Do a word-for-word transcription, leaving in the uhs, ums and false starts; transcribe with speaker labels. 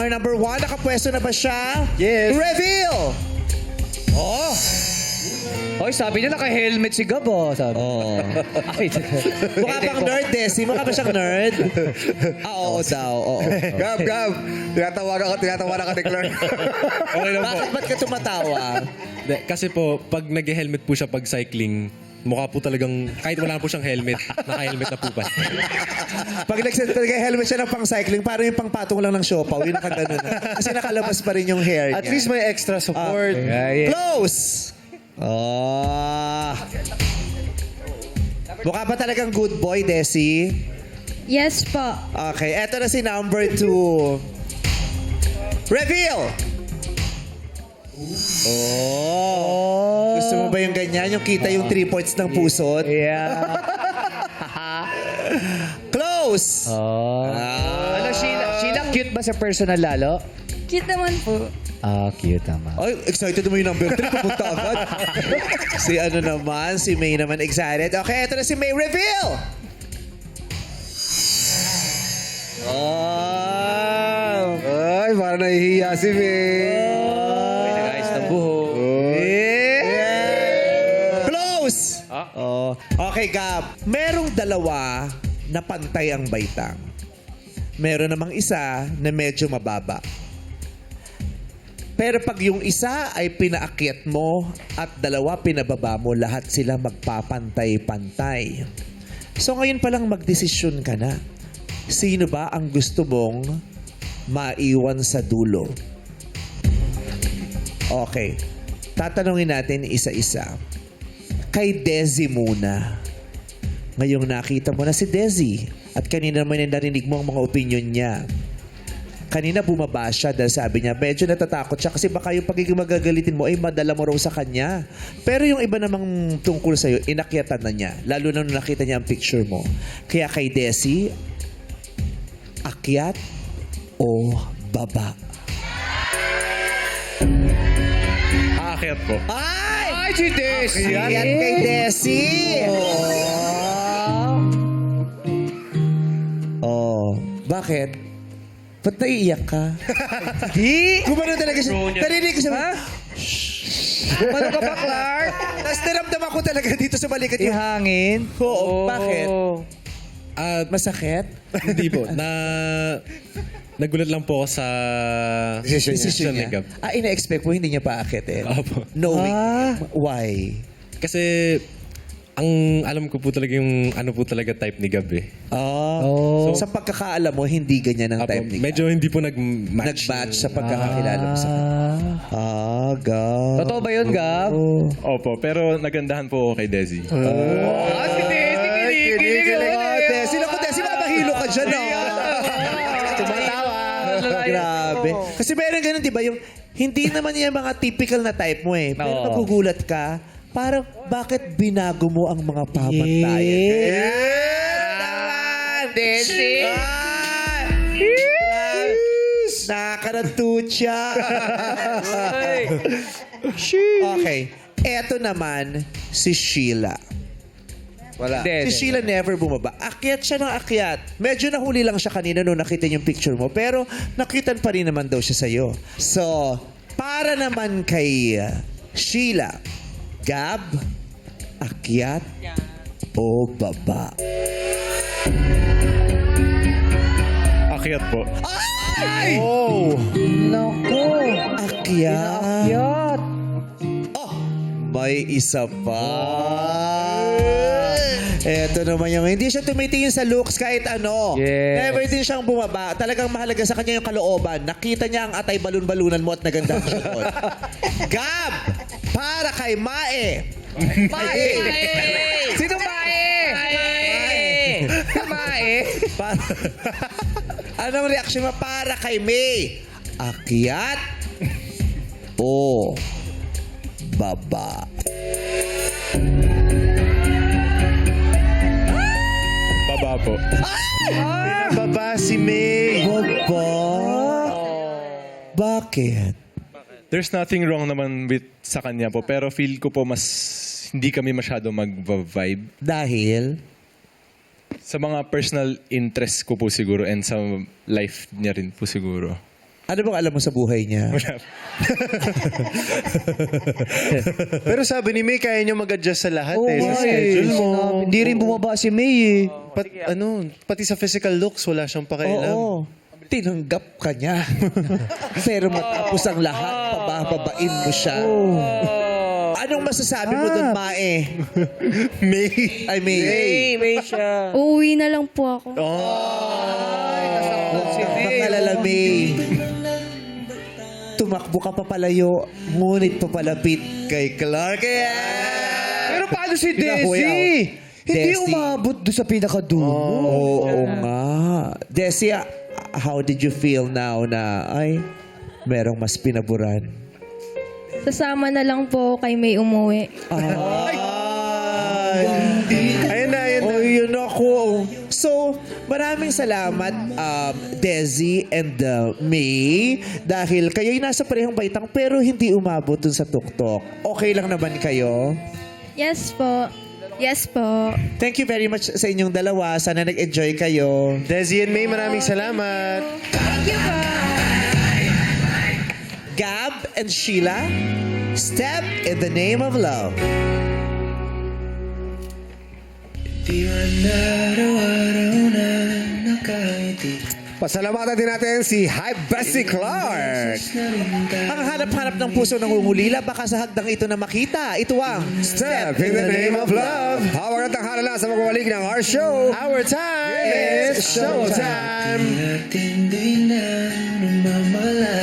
Speaker 1: our number one. Nakapwesto na ba siya?
Speaker 2: Yes.
Speaker 1: Reveal! Oh!
Speaker 2: Oy, sabi niya naka-helmet si Gab, oh. Sabi.
Speaker 1: Oh.
Speaker 2: Ay,
Speaker 1: Mukha bang nerd, Desi? Mukha ba siyang nerd? Ah, oo daw. Oo.
Speaker 3: Gab, Gab. Tinatawagan ka, tinatawagan ka ni Clark.
Speaker 4: Okay lang po.
Speaker 1: Bakit ba't ka tumatawa?
Speaker 4: De, kasi po, pag nag-helmet po siya pag cycling, mukha po talagang, kahit wala po siyang helmet, naka-helmet na po pa.
Speaker 1: Pag nag-helmet siya ng pang-cycling, parang yung pang-patong lang ng siopaw. Yung nakaganon na. Kasi nakalabas pa rin yung hair niya.
Speaker 3: At least may extra support.
Speaker 2: yeah, yeah.
Speaker 1: Close! Oh. Mukha ba talagang good boy, Desi?
Speaker 5: Yes po.
Speaker 1: Okay, eto na si number two. Reveal! Oh. Gusto mo ba yung ganyan? Yung kita yung three points ng pusot?
Speaker 2: Yeah.
Speaker 1: Close!
Speaker 2: Oh.
Speaker 1: Ah.
Speaker 2: Ano, Sheila? Sheila, cute ba sa personal lalo?
Speaker 5: Cute naman po.
Speaker 2: Ah, cute naman.
Speaker 1: Ay, excited naman yung number three. Pupunta agad. Si ano naman, si May naman excited. Okay, eto na si May. Reveal! Oh!
Speaker 3: Ay, parang nahihiya si May.
Speaker 2: Ay, nag-ayos ng buhok.
Speaker 1: Yeah. Close! Oh. Okay, Gab. Merong dalawa na pantay ang baitang. Meron namang isa na medyo mababa. Pero pag yung isa ay pinaakyat mo at dalawa pinababa mo, lahat sila magpapantay-pantay. So ngayon pa lang magdesisyon ka na. Sino ba ang gusto mong maiwan sa dulo? Okay. Tatanungin natin isa-isa. Kay Desi muna. Ngayong nakita mo na si Desi at kanina naman yung narinig mo ang mga opinion niya. Kanina bumaba siya dahil sabi niya, medyo natatakot siya kasi baka yung pagiging magagalitin mo ay madala mo raw sa kanya. Pero yung iba namang tungkol sa'yo, inakyatan na niya. Lalo na nung nakita niya ang picture mo. Kaya kay Desi, akyat o baba?
Speaker 4: Aakyat po.
Speaker 1: Ay!
Speaker 2: Ay, si Desi!
Speaker 1: Akyat kay Desi! Oh. Bakit? Ba't naiiyak ka? Di! Gumano talaga siya. Narinig ko siya. Ha?
Speaker 2: Gumano ka ba, Clark?
Speaker 1: Tapos naramdaman ko talaga dito sa balikat yung...
Speaker 2: Ihangin?
Speaker 1: Oo, bakit?
Speaker 4: At
Speaker 1: Masakit?
Speaker 4: hindi po, na... Nagulat lang po ako sa...
Speaker 1: Decision
Speaker 4: decision ni
Speaker 1: niya.
Speaker 4: Gab.
Speaker 1: Ah, ina-expect mo, hindi niya pa aakitin?
Speaker 4: Opo.
Speaker 1: Knowing.
Speaker 2: Ah.
Speaker 1: Why?
Speaker 4: Kasi, ang alam ko po talaga yung ano po talaga type ni Gab eh.
Speaker 1: Oh.
Speaker 2: Oh.
Speaker 1: Sa pagkakaalam mo, hindi ganyan ang
Speaker 4: Apo,
Speaker 1: type ni
Speaker 4: medyo hindi po nag-match.
Speaker 1: Nag-match sa pagkakakilala mo sa kanya.
Speaker 2: Ah.
Speaker 1: Ah, Gab.
Speaker 2: Totoo ba yun, Gab?
Speaker 4: Opo, pero nagandahan po ako kay Desi.
Speaker 2: Ah, si Desi, kinikilig.
Speaker 1: Ah, Desi, naku, Desi, mabahilo ka dyan, ah.
Speaker 2: Tumatawa.
Speaker 1: Grabe. Kasi meron ganun, di ba? Yung, hindi naman yan mga typical na type mo eh. Pero
Speaker 2: Oo.
Speaker 1: nagugulat ka, parang bakit binago mo ang mga pamantayan?
Speaker 2: Yeah.
Speaker 1: Yes! Naman!
Speaker 2: Desi.
Speaker 1: Ah! Nakaratutya. Okay. Eto naman, si Sheila.
Speaker 3: Wala.
Speaker 1: Si Sheila never bumaba. Akyat siya ng akyat. Medyo nahuli lang siya kanina nung nakita niyo yung picture mo. Pero nakitan pa rin naman daw siya sa'yo. So, para naman kay uh, Sheila, Gab, akyat o baba?
Speaker 4: Akyat po.
Speaker 1: Ay!
Speaker 3: Oh!
Speaker 2: Naku.
Speaker 1: Akyat.
Speaker 2: Yat.
Speaker 1: Oh, may isa pa. Eto naman yung hindi siya tumitingin sa looks kahit ano.
Speaker 2: Yes.
Speaker 1: Never din siyang bumaba. Talagang mahalaga sa kanya yung kalooban. Nakita niya ang atay balon-balunan mo at naganda siya doon. Gab! Para kay Mae.
Speaker 2: Mae. Sino Mae? Mae. Mae.
Speaker 1: Para... Anong reaction mo para kay May? Akyat o baba?
Speaker 4: Baba po.
Speaker 3: Baba si May.
Speaker 1: Baba? Bakit?
Speaker 4: There's nothing wrong naman with sa kanya po, pero feel ko po mas hindi kami masyado mag-vibe.
Speaker 1: Dahil?
Speaker 4: Sa mga personal interest ko po siguro and sa life niya rin po siguro.
Speaker 1: Ano bang alam mo sa buhay niya?
Speaker 3: Pero sabi ni May, kaya niya mag-adjust sa lahat
Speaker 2: Oo
Speaker 3: eh. Sa
Speaker 2: nga
Speaker 3: schedule
Speaker 2: eh.
Speaker 3: mo.
Speaker 2: Hindi rin bumaba si May eh.
Speaker 3: Pat, ano, pati sa physical looks, wala siyang pakialam.
Speaker 1: Oo. Tinanggap ka niya. Pero matapos ang lahat, pabababain mo siya. Anong masasabi mo doon, Mae?
Speaker 3: May.
Speaker 1: Ay, May.
Speaker 2: May siya.
Speaker 5: Uuwi na lang po ako.
Speaker 2: Si May.
Speaker 1: Makalala, May. Tumakbo ka papalayo, ngunit papalapit kay Clark. Yeah!
Speaker 2: Pero paano si
Speaker 1: Pinahuyaw.
Speaker 2: Desi? Hindi
Speaker 1: Desi.
Speaker 2: umabot doon sa pinakadulo.
Speaker 1: Oo nga. Desi, ah, how did you feel now na, ay, merong mas pinaburan?
Speaker 5: Sasama na lang po kay May umuwi.
Speaker 1: Ay!
Speaker 3: Ayun na, ayun na.
Speaker 1: Oh, yun ako. So, maraming salamat, um, Desi and uh, May, dahil kayo'y nasa parehong baitang pero hindi umabot dun sa tuktok. Okay lang naman kayo?
Speaker 5: Yes po. Yes po.
Speaker 1: Thank you very much sa inyong dalawa. Sana nag-enjoy kayo.
Speaker 3: Desi and May, maraming salamat.
Speaker 5: Thank you po.
Speaker 1: Gab and Sheila, Step in the Name of Love.
Speaker 3: Pasalamatan din natin si Hi Bessie Clark.
Speaker 1: Ang hanap-hanap ng puso ng ungulila, baka sa hagdang ito na makita. Ito ang
Speaker 3: Step in the name of love. Hawak at tanghala na sa magwawalik ng our show. Our time is showtime.
Speaker 6: Tinday na namamala